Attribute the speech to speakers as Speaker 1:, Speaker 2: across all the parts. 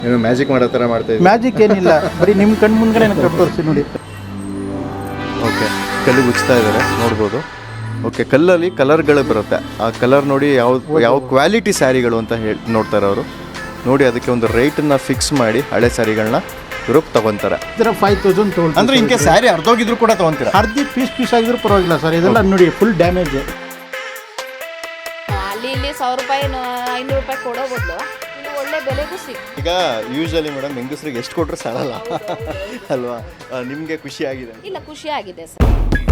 Speaker 1: ಏನು ಮ್ಯಾಜಿಕ್ ಮಾಡೋ ಥರ ಮಾಡ್ತಾ ಇದ್ದೀವಿ?
Speaker 2: ಮ್ಯಾಜಿಕ್ ಏನಿಲ್ಲ, ಬರೀ ನಿಮ್ಮ ಕಣ್ಣು ಮುಂದೆ ತೋರಿಸಿ ನೋಡಿ.
Speaker 1: ಓಕೆ, ಕಲ್ಲಿಗೆ ಉಚ್ತಾ ಇದ್ದಾರೆ ನೋಡ್ಬೋದು. ಓಕೆ, ಕಲ್ಲಲ್ಲಿ ಕಲರ್ಗಳು ಬರುತ್ತೆ. ಆ ಕಲರ್ ನೋಡಿ ಯಾವ ಕ್ವಾಲಿಟಿ ಸ್ಯಾರಿಗಳು ಅಂತ ನೋಡ್ತಾರೆ ಅವರು. ನೋಡಿ ಅದಕ್ಕೆ ಒಂದು ರೇಟನ್ನು ಫಿಕ್ಸ್ ಮಾಡಿ ಹಳೆ ಸ್ಯಾರಿಗಳನ್ನ ಇವರು ತಗೊಂತಾರೆ.
Speaker 2: ಇದರ 5000 ತೊಗೊಳ್ತಾರೆ.
Speaker 1: ಅಂದರೆ ಇಂಕೆ ಸ್ಯಾರಿ ಅರ್ಧೋಗಿದ್ರು ಕೂಡ ತಗೊಂತೀರಾ?
Speaker 2: ಅರ್ಧ ಪೀಸ್ ಆಗಿದ್ರು ಪರವಾಗಿಲ್ಲ ಸರ್. ಇದೆಲ್ಲ ನೋಡಿ ಫುಲ್ ಡ್ಯಾಮೇಜ್.
Speaker 3: ಅಲ್ಲಿ 1000 ರೂಪಾಯಿ 500 ರೂಪಾಯಿ ಕೊಡೋ ಬದಲು ಇಲ್ಲಿ ಒಳ್ಳೆ ಬೆಲೆಗೂ ಸಿಗುತ್ತೆ.
Speaker 1: ಈಗ ಯೂಶಲಿ ಮೇಡಮ್ ಹೆಂಗಸ್ರಿಗೆ ಎಷ್ಟು ಕೊಟ್ಟರು ಸಾಲಲ್ಲ ಅಲ್ವಾ? ನಿಮಗೆ ಖುಷಿ ಆಗಿದೆ?
Speaker 3: ಇಲ್ಲ, ಖುಷಿ ಆಗಿದೆ ಸರ್.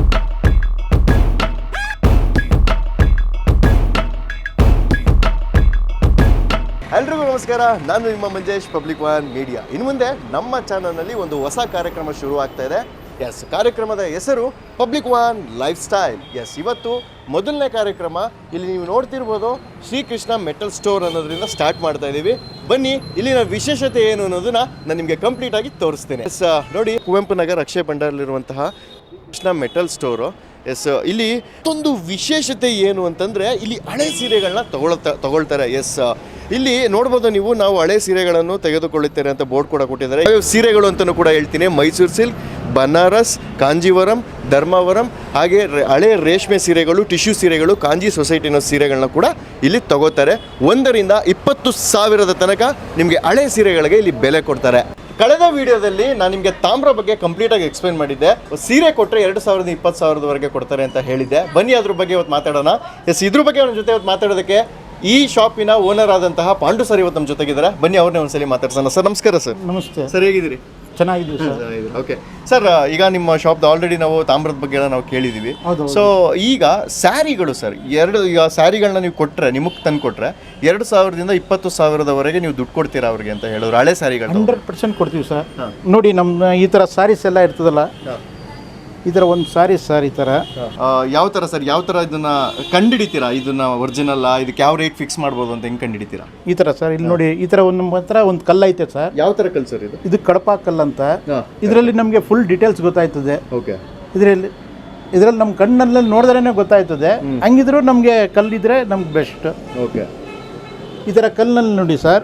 Speaker 1: ಎಲ್ರಿಗೂ ನಮಸ್ಕಾರ, ನಾನು ನಿಮ್ಮ ಮಂಜೇಶ್, ಪಬ್ಲಿಕ್ ಒನ್ ಮೀಡಿಯಾ. ಇನ್ನು ಮುಂದೆ ನಮ್ಮ ಚಾನಲ್ನಲ್ಲಿ ಒಂದು ಹೊಸ ಕಾರ್ಯಕ್ರಮ ಶುರು ಆಗ್ತಾ ಇದೆ. ಎಸ್, ಕಾರ್ಯಕ್ರಮದ ಹೆಸರು public one lifestyle. Yes, ಇವತ್ತು ಮೊದಲನೇ ಕಾರ್ಯಕ್ರಮ. ಇಲ್ಲಿ ನೀವು ನೋಡ್ತಿರ್ಬೋದು ಶ್ರೀಕೃಷ್ಣ ಮೆಟಲ್ ಸ್ಟೋರ್ ಅನ್ನೋದ್ರಿಂದ ಸ್ಟಾರ್ಟ್ ಮಾಡ್ತಾ ಇದ್ದೀವಿ. ಬನ್ನಿ, ಇಲ್ಲಿನ ವಿಶೇಷತೆ ಏನು ಅನ್ನೋದನ್ನ ನಾನು ನಿಮಗೆ ಕಂಪ್ಲೀಟ್ ಆಗಿ ತೋರಿಸ್ತೇನೆ. ಎಸ್, ನೋಡಿ, ಕುವೆಂಪು ನಗರ ಅಕ್ಷಯ ಭಂಡಾರಲ್ಲಿರುವಂತಹ ಕೃಷ್ಣ ಮೆಟಲ್ ಸ್ಟೋರು. ಎಸ್, ಇಲ್ಲಿ ಒಂದು ವಿಶೇಷತೆ ಏನು ಅಂತಂದರೆ ಇಲ್ಲಿ ಹಳೆ ಸೀರೆಗಳನ್ನ ತಗೊಳ್ತಾರೆ. ಎಸ್, ಇಲ್ಲಿ ನೋಡ್ಬೋದು ನೀವು, ನಾವು ಹಳೆ ಸೀರೆಗಳನ್ನು ತೆಗೆದುಕೊಳ್ಳುತ್ತೇವೆ ಅಂತ ಬೋರ್ಡ್ ಕೂಡ ಕೊಟ್ಟಿದ್ದಾರೆ. ಸೀರೆಗಳು ಅಂತಲೂ ಕೂಡ ಹೇಳ್ತೀನಿ. ಮೈಸೂರು ಸಿಲ್ಕ್, ಬನಾರಸ್, ಕಾಂಜೀವರಂ, ಧರ್ಮಾವರಂ, ಹಾಗೆ ಹಳೆ ರೇಷ್ಮೆ ಸೀರೆಗಳು, ಟಿಶ್ಯೂ ಸೀರೆಗಳು, ಕಾಂಜಿ ಸೊಸೈಟಿ ಅನ್ನೋ ಸೀರೆಗಳನ್ನ ಕೂಡ ಇಲ್ಲಿ ತಗೋತಾರೆ. 1ರಿಂದ 20,000 ತನಕ ನಿಮಗೆ ಹಳೆ ಸೀರೆಗಳಿಗೆ ಇಲ್ಲಿ ಬೆಲೆ ಕೊಡ್ತಾರೆ. ಕಳೆದ ವಿಡಿಯೋದಲ್ಲಿ ನಾನು ನಿಮಗೆ ತಾಮ್ರ ಬಗ್ಗೆ ಕಂಪ್ಲೀಟಾಗಿ ಎಕ್ಸ್ಪ್ಲೈನ್ ಮಾಡಿದ್ದೆ. ಸೀರೆ ಕೊಟ್ಟರೆ 2,000 20,000ವರೆಗೆ ಕೊಡ್ತಾರೆ ಅಂತ ಹೇಳಿದ್ದೆ. ಬನ್ನಿ ಅದ್ರ ಬಗ್ಗೆ ಇವತ್ತು ಮಾತಾಡೋಣ. ಎಸ್, ಇದ್ರ ಬಗ್ಗೆ ನನ್ನ ಜೊತೆ ಇವತ್ತು ಮಾತಾಡೋದಕ್ಕೆ ಈ ಶಾಪಿನ ಓನರ್ ಆದಂತಹ ಪಾಂಡು ಸರ್ ಇವತ್ತು ನಮ್ಮ ಜೊತೆಗಿದ್ದಾರೆ. ಬನ್ನಿ, ಅವ್ರನ್ನೇ ಒಂದ್ಸಲಿ ಮಾತಾಡ್ಸೋಣ. ಸರ್ ನಮಸ್ಕಾರ. ಸರ್ ನಮಸ್ತೆ. ಸರ್ ಹೇಗಿದ್ದೀರಿ?
Speaker 2: ಚೆನ್ನಾಗಿದ್ದೀವಿ ಸರ್.
Speaker 1: ಓಕೆ ಸರ್, ಈಗ ನಿಮ್ಮ ಶಾಪ್ದು ಆಲ್ರೆಡಿ ನಾವು ತಾಮ್ರದ ಬಗ್ಗೆ ಎಲ್ಲ ನಾವು ಕೇಳಿದ್ದೀವಿ. ಸೊ ಈಗ ಸ್ಯಾರಿಗಳು ಸರ್, ಈಗ ಸ್ಯಾರಿಗಳನ್ನ ನೀವು ಕೊಟ್ಟರೆ, ನಿಮಗೆ ತಂದು ಕೊಟ್ಟರೆ 2,000ದಿಂದ 20,000ವರೆಗೆ ನೀವು ದುಡ್ಡು ಕೊಡ್ತೀರಾ ಅವ್ರಿಗೆ ಅಂತ ಹೇಳಿದ್ರು. ಹಳೆ ಸ್ಯಾರಿಗಳು
Speaker 2: 100% ಕೊಡ್ತೀವಿ ಸರ್. ನೋಡಿ, ನಮ್ಮ ಈ ಥರ ಸ್ಯಾರೀಸ್ ಎಲ್ಲ ಇರ್ತದಲ್ಲ, ಈ ಥರ ಒಂದು ಸ್ಯಾರೀಸ್ ಸರ್. ಈ ಥರ
Speaker 1: ಯಾವ ಥರ ಸರ್, ಯಾವ ಥರ ಇದನ್ನ ಕಂಡುಹಿಡಿತೀರಾ? ಇದನ್ನ ಒರಿಜಿನಲ್ ಇದಕ್ಕೆ ಯಾವ ರೇಟ್ ಫಿಕ್ಸ್ ಮಾಡ್ಬೋದು ಅಂತ ಹೆಂಗೆ ಕಂಡುಹಿಡಿತೀರಾ?
Speaker 2: ಈ ಥರ ಸರ್, ಇಲ್ಲಿ ನೋಡಿ, ಈ ಥರ ನಮ್ಮ ಹತ್ರ ಒಂದು ಕಲ್ಲು ಐತೆ ಸರ್.
Speaker 1: ಯಾವ ಥರ ಕಲ್ಲು ಸರ್ ಇದು?
Speaker 2: ಇದು ಕಡಪ ಕಲ್ಲು ಅಂತ. ಇದರಲ್ಲಿ ನಮಗೆ ಫುಲ್ ಡೀಟೇಲ್ಸ್ ಗೊತ್ತಾಯ್ತದೆ.
Speaker 1: ಓಕೆ,
Speaker 2: ಇದರಲ್ಲಿ ನಮ್ಮ ಕಣ್ಣಲ್ಲಿ ನೋಡಿದ್ರೇ ಗೊತ್ತಾಯ್ತದೆ. ಹಂಗಿದ್ರು ನಮಗೆ ಕಲ್ಲಿದ್ರೆ ನಮ್ಗೆ ಬೆಸ್ಟ್.
Speaker 1: ಓಕೆ,
Speaker 2: ಈ ಥರ ಕಲ್ಲಿನಲ್ಲಿ ನೋಡಿ ಸರ್,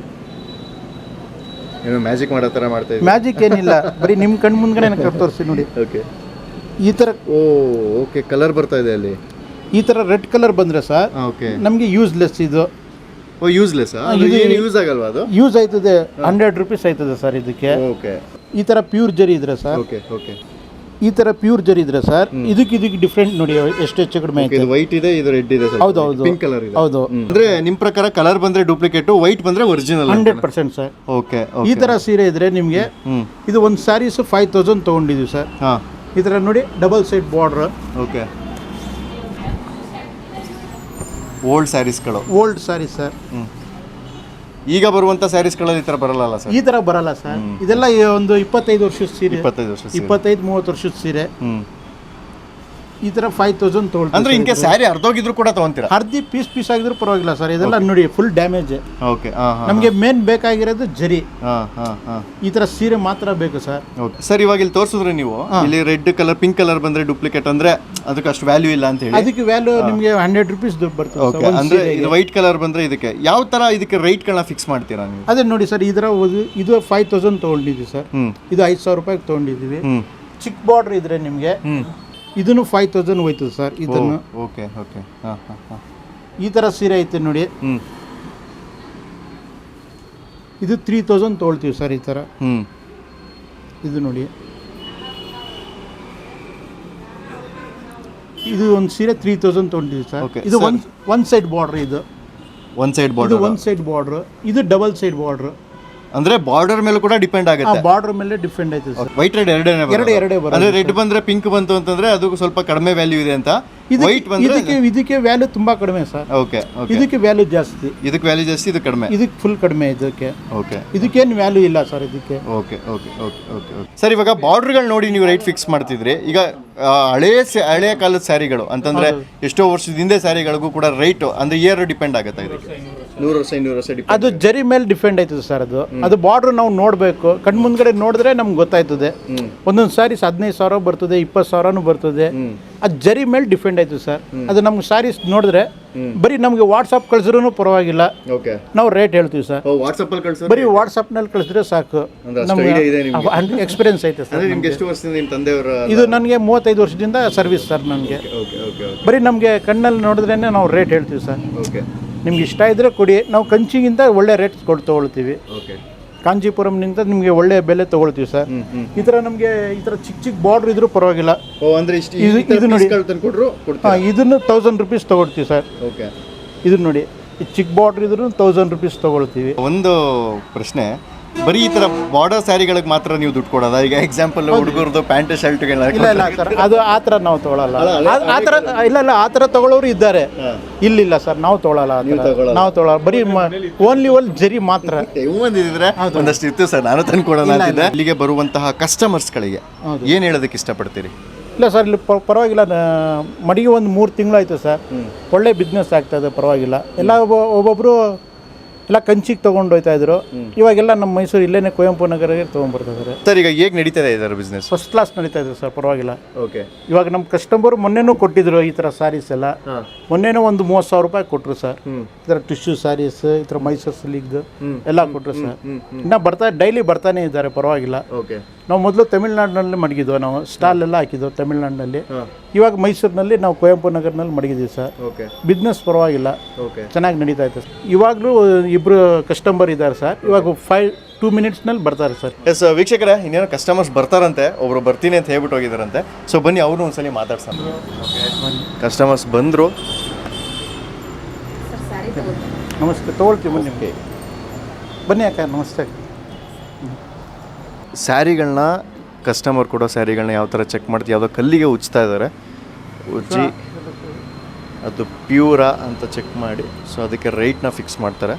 Speaker 1: ಏನು ಮ್ಯಾಜಿಕ್ ಮಾಡೋ ಥರ ಮಾಡ್ತಾ ಇದ್ದೀವಿ?
Speaker 2: ಮ್ಯಾಜಿಕ್ ಏನಿಲ್ಲ, ಬರೀ ನಿಮ್ಮ ಕಣ್ಣು ಮುಂದೆ ತೋರಿಸಿ ನೋಡಿ.
Speaker 1: ಓಕೆ,
Speaker 2: ಈ ಥರ
Speaker 1: ಓಕೆ, ಕಲರ್ ಬರ್ತಾ ಇದೆ ಅಲ್ಲಿ.
Speaker 2: ಈ ಥರ ರೆಡ್ ಕಲರ್ ಬಂದರೆ ಸರ್,
Speaker 1: ಓಕೆ,
Speaker 2: ನಮಗೆ ಯೂಸ್ಲೆಸ್ ಇದು.
Speaker 1: ಯೂಸ್ಲೆಸ್? ಯೂಸ್ ಆಗಲ್ವಾ ಅದು?
Speaker 2: ಯೂಸ್ ಆಯ್ತದೆ. 100 ರೂಪೀಸ್ ಆಯ್ತದೆ ಸರ್ ಇದಕ್ಕೆ.
Speaker 1: ಓಕೆ,
Speaker 2: ಈ ಥರ ಪ್ಯೂರ್ ಜರಿ ಇದ್ರೆ ಸರ್.
Speaker 1: ಓಕೆ ಓಕೆ,
Speaker 2: ಈ ಥರ ಪ್ಯೂರ್ ಜರಿ ಇದ್ರೆ ಸರ್, ಇದಕ್ಕೆ ಡಿಫ್ರೆಂಟ್ ನೋಡಿ ಎಷ್ಟು ಹೆಚ್ಚು ಕಡಿಮೆ ಆಯ್ತು.
Speaker 1: ಇದು ವೈಟ್ ಇದೆ, ಇದು ರೆಡ್ ಇದೆ.
Speaker 2: ಹೌದು ಹೌದು,
Speaker 1: ಪಿಂಕ್ ಕಲರ್ ಇದೆ.
Speaker 2: ಹೌದು.
Speaker 1: ಅಂದ್ರೆ ನಿಮ್ಮ ಪ್ರಕಾರ ಕಲರ್ ಬಂದ್ರೆ ಡೂಪ್ಲಿಕೇಟ್, ವೈಟ್ ಬಂದ್ರೆ ಒರಿಜಿನಲ್?
Speaker 2: 100% ಸರ್.
Speaker 1: ಓಕೆ,
Speaker 2: ಈ ಥರ ಸೀರೆ ಇದ್ರೆ ನಿಮಗೆ ಇದು ಒಂದು ಸ್ಯಾರೀಸ್ 5,000 ತೊಗೊಂಡಿದ್ದೀವಿ ಸರ್. ಈ ಥರ ನೋಡಿ, double side border.
Speaker 1: Okay, old ಸ್ಯಾರೀಸ್ಗಳು.
Speaker 2: Old sarees sir.
Speaker 1: ಈಗ ಬರುವಂತ ಸ್ಯಾರೀಸ್ಗಳಲ್ಲಿ ಈ ಥರ ಬರಲ್ಲ ಸರ್?
Speaker 2: ಈ ಥರ ಬರಲ್ಲ ಸರ್. ಇದೆಲ್ಲ ಒಂದು 25 ವರ್ಷದ ಸೀರೆ, 25-30 ವರ್ಷದ ಸೀರೆ. ಈ ಥರ 5,000 ತೊಗೊಳ್ತೀವಿ.
Speaker 1: ಅಂದ್ರೆ ಇಂಕೆ ಸ್ಯಾರಿ ಅರ್ಧೋಗಿದ್ರು ಕೂಡ ತಗೊಂತೀರಾ?
Speaker 2: ಅರ್ಧ ಪೀಸ್ ಆಗಿದ್ರು ಪರವಾಗಿಲ್ಲ ಸರ್. ಇದೆಲ್ಲ ನೋಡಿ ಫುಲ್ ಡ್ಯಾಮೇಜ್.
Speaker 1: ಓಕೆ,
Speaker 2: ನಮಗೆ ಮೇನ್ ಬೇಕಾಗಿರೋದು ಜರಿ. ಈ ಥರ ಸೀರೆ ಮಾತ್ರ ಬೇಕು ಸರ್.
Speaker 1: ಸರ್, ಇವಾಗ ಇಲ್ಲಿ ತೋರಿಸಿದ್ರೆ ನೀವು, ಇಲ್ಲಿ ರೆಡ್ ಕಲರ್, ಪಿಂಕ್ ಕಲರ್ ಬಂದ್ರೆ ಡೂಪ್ಲಿಕೇಟ್ ಅಂದ್ರೆ ಅದಕ್ಕೆ ಅಷ್ಟು ವ್ಯಾಲ್ಯೂ ಇಲ್ಲ ಅಂತ ಹೇಳಿ.
Speaker 2: ಅದಕ್ಕೆ ವ್ಯಾಲ್ಯೂ ನಿಮಗೆ 100 ರೂಪೀಸ್ ದುಡ್ಡು ಬರ್ತದೆ.
Speaker 1: ಅಂದ್ರೆ ಇದು ವೈಟ್ ಕಲರ್ ಬಂದ್ರೆ ಇದಕ್ಕೆ ಯಾವ ತರ ಇದಕ್ಕೆ ರೇಟ್ ಗಳನ್ನ ಫಿಕ್ಸ್ ಮಾಡ್ತೀರಾ ನೀವು?
Speaker 2: ಅದೇ ನೋಡಿ ಸರ್, ಇದರ ಇದು 5,000 ತೊಗೊಂಡಿದ್ದೀವಿ ಸರ್. ಇದು 5,000 ರೂಪಾಯಿಗೆ ತೊಗೊಂಡಿದ್ದೀವಿ. ಚಿಕ್ಕ ಬಾರ್ಡರ್ ಇದ್ರೆ ನಿಮಗೆ ಇದನ್ನು 5,000 ಹೋಯ್ತದೆ ಸರ್. ಇದನ್ನು
Speaker 1: ಓಕೆ ಓಕೆ,
Speaker 2: ಈ ಥರ ಸೀರೆ ಐತೆ ನೋಡಿ, ಇದು 3,000 ತೊಗೊಳ್ತೀವಿ ಸರ್. ಈ ಥರ ಇದು ನೋಡಿ, ಇದು ಒಂದು ಸೀರೆ 3,000 ತೊಗೊಂಡಿದ್ದೀವಿ ಸರ್. ಇದು ಒನ್ ಸೈಡ್ ಬಾರ್ಡ್ರ್. ಇದು
Speaker 1: one side border.
Speaker 2: One side border. ಇದು ಡಬಲ್ ಸೈಡ್ ಬಾರ್ಡ್ರ್.
Speaker 1: ಅಂದ್ರೆ ಬಾರ್ಡರ್ ಮೇಲೆ ಕೂಡ ಡಿಪೆಂಡ್ ಆಗುತ್ತೆ.
Speaker 2: ಬಾರ್ಡರ್ ಮೇಲೆ ಡಿಪೆಂಡ್ ಆಯ್ತು ಸರ್.
Speaker 1: ವೈಟ್ ರೆಡ್ ಎರಡೇ
Speaker 2: ಬರುತ್ತೆ.
Speaker 1: ಅಂದ್ರೆ ರೆಡ್ ಬಂದ್ರೆ ಪಿಂಕ್ ಬಂತು ಅಂತಂದ್ರೆ ಅದು ಸ್ವಲ್ಪ ಕಡಿಮೆ ವ್ಯಾಲ್ಯೂ ಇದೆ ಅಂತ. ವೈಟ್ ಬಂದ್ರೆ
Speaker 2: ಇದಕ್ಕೆ ವ್ಯಾಲ್ಯೂ ತುಂಬಾ ಕಡಿಮೆ ಸರ್.
Speaker 1: ಓಕೆ,
Speaker 2: ಇದಕ್ಕೆ ವ್ಯಾಲ್ಯೂ ಜಾಸ್ತಿ.
Speaker 1: ಇದಕ್ಕೆ ವ್ಯಾಲ್ಯೂ ಜಾಸ್ತಿ, ಇದು ಕಡಿಮೆ.
Speaker 2: ಇದಕ್ಕೆ ಫುಲ್ ಕಡಿಮೆ. ಇದಕ್ಕೆ
Speaker 1: ಓಕೆ,
Speaker 2: ಇದಕ್ಕೇನು ವ್ಯಾಲ್ಯೂ ಇಲ್ಲ ಸರ್. ಇದಕ್ಕೆ
Speaker 1: okay okay okay okay okay sir, ಇವಾಗ ಬಾರ್ಡರ್ಗಳು ನೋಡಿ ನೀವು ರೇಟ್ ಫಿಕ್ಸ್ ಮಾಡ್ತಿದ್ರಿ. ಈಗ ಹಳೆಯ ಕಾಲದ ಸ್ಯಾರಿಗಳು ಅಂತಂದ್ರೆ ಎಷ್ಟೋ ವರ್ಷದ ಹಿಂದೆ ಸ್ಯಾರಿಗಳಿಗೂ ಕೂಡ ರೇಟ್ ಅಂದ್ರೆ ಇಯರ್ ಡಿಪೆಂಡ್ ಆಗುತ್ತೆ ಇದಕ್ಕೆ? 100 ವರ್ಷ 200 ವರ್ಷ
Speaker 2: ಅದು ಜರಿ ಮೇಲೆ ಡಿಪೆಂಡ್ ಆಯ್ತದೆ ಸರ್. ಅದು ಬಾರ್ಡ್ರ್ ನಾವು ನೋಡಬೇಕು, ಕಣ್ಣು ಮುಂದ್ಗಡೆ ನೋಡಿದ್ರೆ ನಮ್ಗೆ ಗೊತ್ತಾಯ್ತದೆ. ಒಂದೊಂದು ಸಾರೀಸ್ 15,000 ಬರ್ತದೆ, 20,000 ಬರ್ತದೆ. ಅದು ಜರಿ ಮೇಲೆ ಡಿಪೆಂಡ್ ಆಯ್ತದೆ ಸರ್. ಅದು ನಮ್ಗೆ ಸಾರೀಸ್ ನೋಡಿದ್ರೆ ಬರೀ ನಮಗೆ ವಾಟ್ಸಪ್ ಕಳಿಸಿದ್ರು ಪರವಾಗಿಲ್ಲ, ನಾವು ರೇಟ್ ಹೇಳ್ತೀವಿ ಸರ್. ಬರೀ ವಾಟ್ಸಪ್ನಲ್ಲಿ ಕಳಿಸಿದ್ರೆ ಸಾಕು, ನಮ್ಗೆ ಎಕ್ಸ್ಪೀರಿಯನ್ಸ್ ಐತೆ ಸರ್. ಇದು ನನಗೆ 35 ವರ್ಷದಿಂದ ಸರ್ವಿಸ್ ಸರ್. ನನಗೆ ಬರೀ ನಮಗೆ ಕಣ್ಣಲ್ಲಿ ನೋಡಿದ್ರೇ ನಾವು ರೇಟ್ ಹೇಳ್ತೀವಿ ಸರ್. ನಿಮ್ಗೆ ಇಷ್ಟ ಇದ್ದರೆ ಕೊಡಿ, ನಾವು ಕಂಚಿಗಿಂತ ಒಳ್ಳೆ ರೇಟ್ ತೊಗೊಳ್ತೀವಿ. ಕಾಂಚೀಪುರಂನಿಂದ ನಿಮಗೆ ಒಳ್ಳೆ ಬೆಲೆ ತೊಗೊಳ್ತೀವಿ ಸರ್. ಈ ಥರ ನಮಗೆ ಈ ಥರ ಚಿಕ್ಕ ಚಿಕ್ಕ ಬಾರ್ಡ್ರ್ ಇದ್ರೂ ಪರವಾಗಿಲ್ಲ. ಇದು ನೋಡಿ, ಇದನ್ನು 1000 ರೂಪೀಸ್ ತೊಗೊಳ್ತೀವಿ ಸರ್. ಇದು ನೋಡಿ, ಈ ಚಿಕ್ಕ ಬಾರ್ಡ್ರ್ ಇದ್ರೂ 1000 ರೂಪೀಸ್ ತೊಗೊಳ್ತೀವಿ.
Speaker 1: ಒಂದು ಪ್ರಶ್ನೆ, ಬರೀ ಈ ಥರ ಬಾರ್ಡರ್ ಸ್ಯಾರಿಗಳಿಗೆ ಮಾತ್ರ ನೀವು ದುಡ್ಡು ಕೊಡೋದ? ಈಗ ಎಕ್ಸಾಂಪಲ್ ಹುಡುಗರು ಪ್ಯಾಂಟ್ ಶರ್ಟ್ಗೆಲ್ಲ
Speaker 2: ಇಲ್ಲ ಸರ್, ಅದು ಆ ಥರ ನಾವು ತೊಗೊಳಲ್ಲ. ಆ ಥರ ಇಲ್ಲ, ಆ ಥರ ತೊಗೊಳ್ಳೋರು ಇದ್ದಾರೆ. ಇಲ್ಲ ಸರ್, ನಾವು ತೊಗೊಳಲ್ಲ. ನಾವು ತೊಗೊಳಲ್ಲ, ಬರೀ ಓನ್ಲಿ ಜರಿ ಮಾತ್ರ.
Speaker 1: ಬಂದಿದ್ರೆ ಒಂದಷ್ಟು ಇತ್ತು ಸರ್, ನಾನು ತಂದು ಕೊಡೋಣ ಅಂತಿದ್ದೆ. ಇಲ್ಲಿಗೆ ಬರುವಂತಹ ಕಸ್ಟಮರ್ಸ್ಗಳಿಗೆ ಏನು ಹೇಳೋದಕ್ಕೆ ಇಷ್ಟಪಡ್ತೀರಿ?
Speaker 2: ಇಲ್ಲ ಸರ್, ಇಲ್ಲಿ ಪರವಾಗಿಲ್ಲ. ಮಡಿಗೆ ಒಂದು 3 ತಿಂಗಳಾಯ್ತು ಸರ್, ಒಳ್ಳೆ ಬಿಸ್ನೆಸ್ ಆಗ್ತಾಯಿದೆ, ಪರವಾಗಿಲ್ಲ. ಎಲ್ಲ ಒಬ್ಬೊಬ್ಬರು ಎಲ್ಲ ಕಂಚಿಗೆ ತೊಗೊಂಡು ಹೋಗ್ತಾ ಇದ್ರು. ಇವಾಗೆಲ್ಲ ನಮ್ಮ ಮೈಸೂರು ಇಲ್ಲೇನೆ ಕುವೆಂಪು ನಗರಕ್ಕೆ ತೊಗೊಂಡ್ಬರ್ತಿದ್ದಾರೆ
Speaker 1: ಸರ್. ಈಗ ಹೇಗೆ ನಡೀತಾ ಇದೆ ಇದರ ಬಿಸ್ನೆಸ್?
Speaker 2: ಫಸ್ಟ್ ಕ್ಲಾಸ್ ನಡೀತಾ ಇದೆ ಸರ್, ಪರವಾಗಿಲ್ಲ. ಇವಾಗ ನಮ್ಮ ಕಸ್ಟಮರ್ ಮೊನ್ನೆನೂ ಕೊಟ್ಟಿದ್ರು ಈ ಥರ ಸ್ಯಾರೀಸ್ ಎಲ್ಲ. ಮೊನ್ನೆನೂ ಒಂದು 30,000 ರೂಪಾಯಿ ಕೊಟ್ಟರು ಸರ್. ಈ ಥರ ಟಿಶ್ಯೂ ಸ್ಯಾರೀಸ್, ಈ ಥರ ಮೈಸೂರು ಸಿಲ್ಕ್ ಎಲ್ಲ ಕೊಟ್ಟರು ಸರ್. ಇನ್ನು ಡೈಲಿ ಬರ್ತಾನೆ ಇದ್ದಾರೆ, ಪರವಾಗಿಲ್ಲ. ನಾವು ಮೊದಲು ತಮಿಳ್ನಾಡಿನಲ್ಲಿ ಮಡಗಿದ್ವು, ನಾವು ಸ್ಟಾಲ್ ಎಲ್ಲ ಹಾಕಿದ್ವು ತಮಿಳ್ನಾಡಿನಲ್ಲಿ. ಇವಾಗ ಮೈಸೂರಿನಲ್ಲಿ ನಾವು ಕುವೆಂಪು ನಗರನಲ್ಲಿ ಮಡಗಿದ್ದೀವಿ ಸರ್. ಬಿಸ್ನೆಸ್ ಪರವಾಗಿಲ್ಲ, ಚೆನ್ನಾಗಿ ನಡೀತಾ ಇದೆ. ಇವಾಗಲೂ 2 ಕಸ್ಟಮರ್ ಇದ್ದಾರೆ ಸರ್. ಇವಾಗ 2 ಮಿನಿಟ್ಸ್ನಲ್ಲಿ ಬರ್ತಾರೆ ಸರ್.
Speaker 1: ಎಸ್ ವೀಕ್ಷಕರೇ, ಇನ್ನೇನೋ ಕಸ್ಟಮರ್ಸ್ ಬರ್ತಾರಂತೆ, ಒಬ್ರು ಬರ್ತೀನಿ ಅಂತ ಹೇಳ್ಬಿಟ್ಟು ಹೋಗಿದ್ದಾರಂತೆ. ಸೊ ಬನ್ನಿ, ಅವ್ರನ್ನೂ ಒಂದ್ಸಲಿ ಮಾತಾಡ್ಸೋಣ. ಕಸ್ಟಮರ್ಸ್ ಬಂದರು.
Speaker 2: ನಮಸ್ತೆ, ತೊಗೊಳ್ತೀವಿ ಬನ್ನಿ. ಬನ್ನಿ ಅಕ್ಕ, ನಮಸ್ತೆ.
Speaker 1: ಸ್ಯಾರಿಗಳನ್ನ ಕಸ್ಟಮರ್ ಕೊಡೋ ಸ್ಯಾರಿಗಳನ್ನ ಯಾವ ಥರ ಚೆಕ್ ಮಾಡ್ತೀವಿ? ಯಾವುದೋ ಕಲ್ಲಿಗೆ ಉಜ್ತಾ ಇದ್ದಾರೆ, ಉಜ್ಜಿ ಅದು ಪ್ಯೂರಾ ಅಂತ ಚೆಕ್ ಮಾಡಿ, ಸೊ ಅದಕ್ಕೆ ರೇಟ್ನ ಫಿಕ್ಸ್ ಮಾಡ್ತಾರೆ.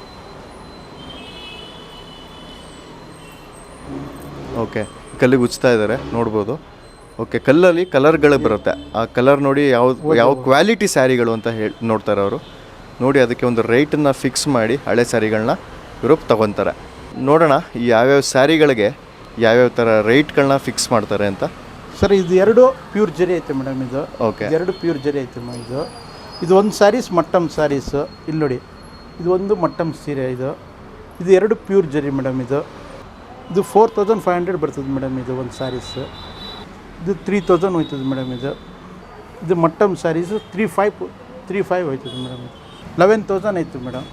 Speaker 1: ಓಕೆ, ಕಲ್ಲಿಗೆ ಉಜ್ತಾ ಇದ್ದಾರೆ, ನೋಡ್ಬೋದು. ಓಕೆ, ಕಲ್ಲಲ್ಲಿ ಕಲರ್ಗಳು ಬರುತ್ತೆ, ಆ ಕಲರ್ ನೋಡಿ ಯಾವ ಕ್ವಾಲಿಟಿ ಸ್ಯಾರಿಗಳು ಅಂತ ನೋಡ್ತಾರೆ ಅವರು. ನೋಡಿ ಅದಕ್ಕೆ ಒಂದು ರೇಟನ್ನು ಫಿಕ್ಸ್ ಮಾಡಿ ಹಳೆ ಸ್ಯಾರಿಗಳನ್ನ ಇವರು ತಗೊತಾರೆ. ನೋಡೋಣ ಈ ಯಾವ್ಯಾವ ಸ್ಯಾರಿಗಳಿಗೆ ಯಾವ್ಯಾವ ಥರ ರೇಟ್ಗಳನ್ನ ಫಿಕ್ಸ್ ಮಾಡ್ತಾರೆ ಅಂತ.
Speaker 2: ಸರ್, ಇದು 2 ಪ್ಯೂರ್ ಜರಿ ಐತೆ ಮೇಡಮ್. ಇದು
Speaker 1: ಓಕೆ,
Speaker 2: 2 ಪ್ಯೂರ್ ಜರಿ ಐತೆ ಇದು ಒಂದು ಸ್ಯಾರೀಸ್ ಮಟ್ಟಮ್ ಸ್ಯಾರೀಸು. ಇಲ್ಲಿ ನೋಡಿ, ಇದು ಒಂದು ಮಟ್ಟಮ್ ಸೀರೆ. ಇದು 2 ಪ್ಯೂರ್ ಜರಿ ಮೇಡಮ್. ಇದು 4500 ಬರ್ತದೆ ಮೇಡಮ್. ಇದು ಒಂದು ಸ್ಯಾರೀಸು ಇದು 3000 ಹೋಯ್ತದೆ ಮೇಡಮ್. ಇದು ಮಟ್ಟಮ್ ಸ್ಯಾರೀಸು 35 ಹೋಯ್ತದೆ ಮೇಡಮ್. 11,000 ಆಯ್ತು ಮೇಡಮ್.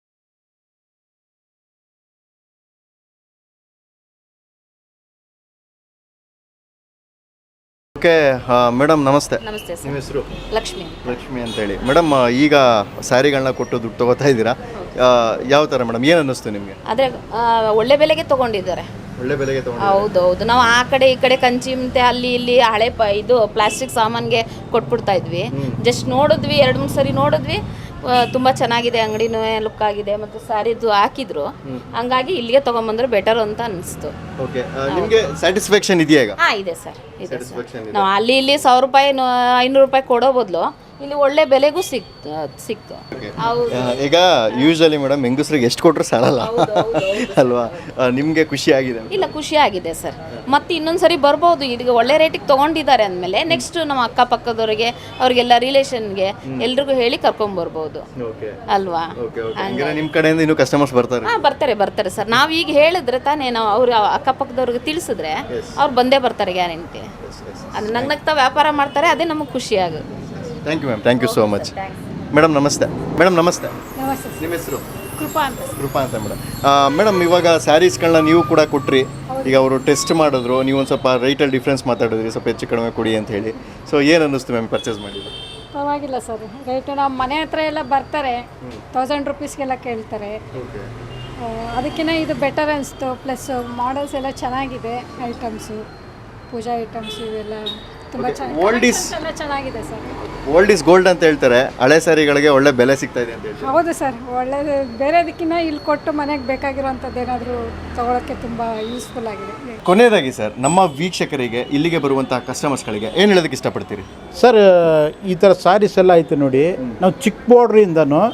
Speaker 1: ಓಕೆ ಮೇಡಮ್, ನಮಸ್ತೆ.
Speaker 3: ನಮಸ್ತೆ ಸರ್.
Speaker 1: ನಿಮ್ಮ ಹೆಸರು?
Speaker 3: ಲಕ್ಷ್ಮಿ
Speaker 1: ಅಂತೇಳಿ. ಮೇಡಮ್, ಈಗ ಸ್ಯಾರಿಗಳನ್ನ ಕೊಟ್ಟು ದುಡ್ಡು ತೊಗೋತಾ ಇದ್ದೀರಾ, ಯಾವ ಥರ ಮೇಡಮ್? ಏನು ಅನ್ನಿಸ್ತು ನಿಮಗೆ?
Speaker 3: ಆದರೆ ಒಳ್ಳೆ ಬೆಲೆಗೆ ತೊಗೊಂಡಿದ್ದಾರೆ.
Speaker 1: ಒಳ್ಳೆ ಬೆಲೆಗೆ ತೊಗೊಂಡು?
Speaker 3: ಹೌದೌದು. ನಾವು ಆ ಕಡೆ ಈ ಕಡೆ ಕಂಚಿ ಮತ್ತೆ ಅಲ್ಲಿ ಇಲ್ಲಿ ಹಳೆ ಇದು ಪ್ಲಾಸ್ಟಿಕ್ ಸಾಮಾನಿಗೆ ಕೊಟ್ಬಿಡ್ತಾ ಇದ್ವಿ. ಜಸ್ಟ್ ನೋಡಿದ್ವಿ, 2-3 ಸರಿ ನೋಡಿದ್ವಿ, ತುಂಬ ಚೆನ್ನಾಗಿದೆ, ಅಂಗಡಿನೂ ಲುಕ್ ಆಗಿದೆ, ಮತ್ತು ಸ್ಯಾರಿದು ಹಾಕಿದ್ರು. ಹಂಗಾಗಿ ಇಲ್ಲಿಗೆ ತೊಗೊಂಬಂದ್ರೆ ಬೆಟರ್ ಅಂತ ಅನಿಸ್ತು.
Speaker 1: ಓಕೆ, ನಿಮಗೆ ಸ್ಯಾಟಿಸ್ಫ್ಯಾಕ್ಷನ್ ಇದೆಯಾ ಈಗ?
Speaker 3: ಹಾಂ, ಇದೆ ಸರ್, ಇದೆ ಸರ್. ನಾವು ಅಲ್ಲಿ ಇಲ್ಲಿ 1000 ರೂಪಾಯಿ 500 ರೂಪಾಯಿ ಕೊಡೋ ಬದಲು ಇಲ್ಲಿ ಒಳ್ಳೆ ಬೆಲೆಗೂ ಸಿಕ್ತು.
Speaker 1: ಈಗ ಯೂಶಲಿ ಮೇಡಮ್ ಹೆಂಗಸ್ರಿಗೆ ಎಷ್ಟು ಕೊಟ್ಟರು ಸಾಲಲ್ಲ ಅಲ್ವಾ? ನಿಮಗೆ ಖುಷಿ ಆಗಿದೆ?
Speaker 3: ಇಲ್ಲ, ಖುಷಿ ಆಗಿದೆ ಸರ್. ಮತ್ತೆ ಇನ್ನೊಂದ್ಸರಿ ಬರ್ಬೋದು. ಈಗ ಒಳ್ಳೆ ರೇಟಿಗೆ ತೊಗೊಂಡಿದ್ದಾರೆ ಅಂದಮೇಲೆ ನೆಕ್ಸ್ಟ್ ನಮ್ಮ ಅಕ್ಕಪಕ್ಕದವರಿಗೆ, ಅವ್ರಿಗೆಲ್ಲ ರಿಲೇಷನ್ಗೆ ಎಲ್ರಿಗೂ ಹೇಳಿ ಕರ್ಕೊಂಡ್ಬರ್ಬೋದು ಅಲ್ವಾ?
Speaker 1: ನಿಮ್ಮ ಕಡೆಯಿಂದ ಇನ್ನೂ ಕಸ್ಟಮರ್ಸ್ ಬರ್ತಾರೆ?
Speaker 3: ಹಾಂ, ಬರ್ತಾರೆ ಸರ್. ನಾವು ಈಗ ಹೇಳಿದ್ರೆ ತಾನೇ, ನಾವು ಅವ್ರ ಅಕ್ಕಪಕ್ಕದವ್ರಿಗೆ ತಿಳಿಸಿದ್ರೆ ಅವ್ರು ಬಂದೇ ಬರ್ತಾರೆ ಗ್ಯಾರಂಟಿ. ಅದು ನಗ್ನಗ್ತಾ ವ್ಯಾಪಾರ ಮಾಡ್ತಾರೆ, ಅದೇ ನಮಗೆ ಖುಷಿ ಆಗುತ್ತೆ.
Speaker 1: Thank you ma'am, thank you so much. Madam ನಮಸ್ತೆ. ನಮಸ್ತೆ. ನಿಮ್ಮ ಹೆಸರು? ಕೃಪಾ ಅಂತ ಮೇಡಮ್. ಮೇಡಮ್, ಇವಾಗ ಸ್ಯಾರೀಸ್ಗಳನ್ನ ನೀವು ಕೂಡ ಕೊಟ್ರಿ, ಈಗ ಅವರು ಟೆಸ್ಟ್ ಮಾಡಿದ್ರು, ನೀವು ಒಂದು ಸ್ವಲ್ಪ ರೇಟಲ್ಲಿ ಡಿಫ್ರೆನ್ಸ್ ಮಾತಾಡಿದ್ರಿ, ಸ್ವಲ್ಪ ಹೆಚ್ಚು ಕಡಿಮೆ ಕೊಡಿ ಅಂತ ಹೇಳಿ. ಸೊ ಏನು ಅನ್ನಿಸ್ತು ಮ್ಯಾಮ್ ಪರ್ಚೇಸ್ ಮಾಡಿದ್ರು?
Speaker 4: ಪರವಾಗಿಲ್ಲ ಸರ್, ರೇಟು ನಮ್ಮ ಮನೆ ಹತ್ರ ಎಲ್ಲ ಬರ್ತಾರೆ, 1000 ರೂಪೀಸ್ಗೆಲ್ಲ ಕೇಳ್ತಾರೆ. ಅದಕ್ಕಿಂತ ಇದು ಬೆಟರ್ ಅನಿಸ್ತು. ಪ್ಲಸ್ ಮಾಡೆಲ್ಸ್ ಎಲ್ಲ ಚೆನ್ನಾಗಿದೆ, ಐಟಮ್ಸು, ಪೂಜಾ ಐಟಮ್ಸ್ ಇವೆಲ್ಲ ತುಂಬ ಚೆನ್ನಾಗಿದೆ ಸರ್.
Speaker 1: ಓಲ್ಡ್ ಇಸ್ ಗೋಲ್ಡ್ ಅಂತ ಹೇಳ್ತಾರೆ, ಹಳೆ ಸ್ಯಾರಿಗಳಿಗೆ ಒಳ್ಳೆ ಬೆಲೆ ಸಿಗ್ತಾ ಇದೆ ಅಂತ ಹೇಳ್ತಾರೆ.
Speaker 4: ಹೌದು ಸರ್, ಒಳ್ಳೆಯದು. ಬೇರೆದಕ್ಕಿಂತ ಇಲ್ಲಿ ಕೊಟ್ಟು ಮನೆಗೆ ಬೇಕಾಗಿರುವಂಥದ್ದು ಏನಾದರೂ ತೊಗೊಳಕ್ಕೆ ತುಂಬ ಯೂಸ್ಫುಲ್ ಆಗಿದೆ.
Speaker 1: ಕೊನೆಯದಾಗಿ ಸರ್, ನಮ್ಮ ವೀಕ್ಷಕರಿಗೆ, ಇಲ್ಲಿಗೆ ಬರುವಂತಹ ಕಸ್ಟಮರ್ಸ್ಗಳಿಗೆ ಏನು ಹೇಳೋದಕ್ಕೆ ಇಷ್ಟಪಡ್ತೀರಿ?
Speaker 2: ಸರ್, ಈ ಥರ ಸ್ಯಾರೀಸ್ ಎಲ್ಲ ಐತೆ ನೋಡಿ, ನಾವು ಚಿಕ್ಕ ಬಾರ್ಡ್ರಿಂದನೂ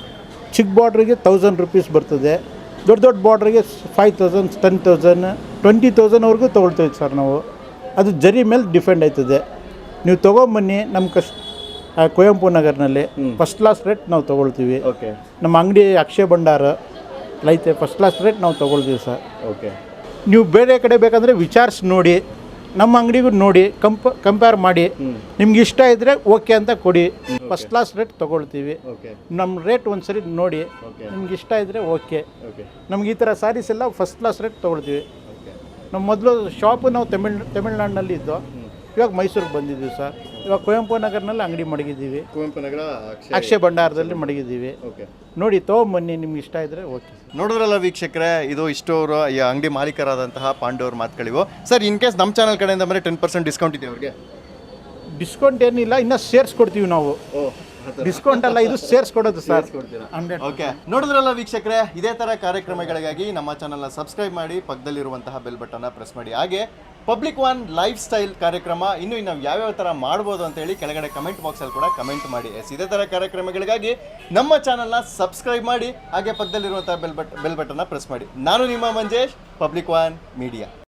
Speaker 2: ಚಿಕ್ಕ ಬಾರ್ಡ್ರಿಗೆ 1000 ರುಪೀಸ್ ಬರ್ತದೆ, ದೊಡ್ಡ ದೊಡ್ಡ ಬಾರ್ಡ್ರಿಗೆ 5000 10,000 20,000ವರೆಗೂ ತೊಗೊಳ್ತೀವಿ ಸರ್ ನಾವು. ಅದು ಜರಿ ಮೇಲೆ ಡಿಪೆಂಡ್ ಆಯ್ತದೆ. ನೀವು ತೊಗೊಂಬನ್ನಿ ನಮ್ಮ ಕುವೆಂಪು ನಗರ್ನಲ್ಲಿ ಫಸ್ಟ್ ಕ್ಲಾಸ್ ರೇಟ್ ನಾವು ತೊಗೊಳ್ತೀವಿ.
Speaker 1: ಓಕೆ
Speaker 2: ನಮ್ಮ ಅಂಗಡಿ ಅಕ್ಷಯ ಭಂಡಾರ ಐತೆ, ಫಸ್ಟ್ ಕ್ಲಾಸ್ ರೇಟ್ ನಾವು ತೊಗೊಳ್ತೀವಿ ಸರ್.
Speaker 1: ಓಕೆ
Speaker 2: ನೀವು ಬೇರೆ ಕಡೆ ಬೇಕಂದರೆ ವಿಚಾರಿಸಿ ನೋಡಿ, ನಮ್ಮ ಅಂಗಡಿಗೂ ನೋಡಿ ಕಂಪೇರ್ ಮಾಡಿ, ನಿಮ್ಗೆ ಇಷ್ಟ ಇದ್ದರೆ ಓಕೆ ಅಂತ ಕೊಡಿ. ಫಸ್ಟ್ ಕ್ಲಾಸ್ ರೇಟ್ ತೊಗೊಳ್ತೀವಿ.
Speaker 1: ಓಕೆ
Speaker 2: ನಮ್ಮ ರೇಟ್ ಒಂದು ಸರಿ ನೋಡಿ, ನಿಮ್ಗೆ ಇಷ್ಟ ಇದ್ದರೆ ಓಕೆ.
Speaker 1: ಓಕೆ
Speaker 2: ನಮ್ಗೆ ಈ ಥರ ಸ್ಯಾರೀಸ್ ಎಲ್ಲ ಫಸ್ಟ್ ಕ್ಲಾಸ್ ರೇಟ್ ತೊಗೊಳ್ತೀವಿ.
Speaker 1: ಓಕೆ
Speaker 2: ನಮ್ಮ ಮೊದಲು ಶಾಪು ನಾವು ತಮಿಳ್ನಾಡಿನಲ್ಲಿ ಇದ್ದು, ಇವಾಗ ಮೈಸೂರಿಗೆ ಬಂದಿದ್ದೀವಿ ಸರ್. ಇವಾಗ ಕುವೆಂಪು ನಗರ್ನಲ್ಲಿ ಅಂಗಡಿ ಮಡಗಿದ್ದೀವಿ,
Speaker 1: ಕುವೆಂಪು ನಗರ
Speaker 2: ಅಕ್ಷಯ ಭಂಡಾರದಲ್ಲಿ ಮಡಗಿದ್ದೀವಿ.
Speaker 1: ಓಕೆ
Speaker 2: ನೋಡಿ ತೊಗೊಂಬನ್ನಿ, ನಿಮ್ಗೆ ಇಷ್ಟ ಇದ್ದರೆ ಓಕೆ.
Speaker 1: ನೋಡಿದ್ರಲ್ಲ ವೀಕ್ಷಕರೇ, ಇದು ಇಷ್ಟೋರು ಈ ಅಂಗಡಿ ಮಾಲೀಕರಾದಂತಹ ಪಾಂಡವ್ರ ಮಾತುಗಳಿವು. ಸರ್, ಇನ್ ಕೇಸ್ ನಮ್ಮ ಚಾನಲ್ ಕಡೆಯಿಂದ ಬರೀ 10% ಡಿಸ್ಕೌಂಟ್ ಇದೆ ಅವ್ರಿಗೆ?
Speaker 2: ಡಿಸ್ಕೌಂಟ್ ಏನಿಲ್ಲ, ಇನ್ನೂ ಸೇರಿಸ್ಕೊಡ್ತೀವಿ ನಾವು. ಡಿಸ್ಕೌಂಟ್ ಅಲ್ಲ, ಇದು ಸೇರಿಸ್ಕೊಡೋದು ಸರ್.
Speaker 1: ಓಕೆ, ನೋಡಿದ್ರಲ್ಲ ವೀಕ್ಷಕರೇ, ಇದೇ ಥರ ಕಾರ್ಯಕ್ರಮಗಳಿಗಾಗಿ ನಮ್ಮ ಚಾನಲ್ನ ಸಬ್ಸ್ಕ್ರೈಬ್ ಮಾಡಿ, ಪಕ್ಕದಲ್ಲಿರುವಂತಹ ಬೆಲ್ ಬಟನ್ನ ಪ್ರೆಸ್ ಮಾಡಿ. ಹಾಗೆ ಪಬ್ಲಿಕ್ ಒನ್ ಲೈಫ್ ಸ್ಟೈಲ್ ಕಾರ್ಯಕ್ರಮ ಇನ್ನು ನಾವು ಯಾವ್ಯಾವ ಥರ ಮಾಡ್ಬೋದು ಅಂತೇಳಿ ಕೆಳಗಡೆ ಕಮೆಂಟ್ ಬಾಕ್ಸಲ್ಲಿ ಕೂಡ ಕಮೆಂಟ್ ಮಾಡಿ. ಇದೇ ಥರ ಕಾರ್ಯಕ್ರಮಗಳಿಗಾಗಿ ನಮ್ಮ ಚಾನಲ್ನ ಸಬ್ಸ್ಕ್ರೈಬ್ ಮಾಡಿ, ಹಾಗೆ ಪಕ್ಕದಲ್ಲಿರುವಂತಹ ಬೆಲ್ ಬಟನ್ನ ಪ್ರೆಸ್ ಮಾಡಿ. ನಾನು ನಿಮ್ಮ ಮಂಜೇಶ್, ಪಬ್ಲಿಕ್ ಒನ್ ಮೀಡಿಯಾ.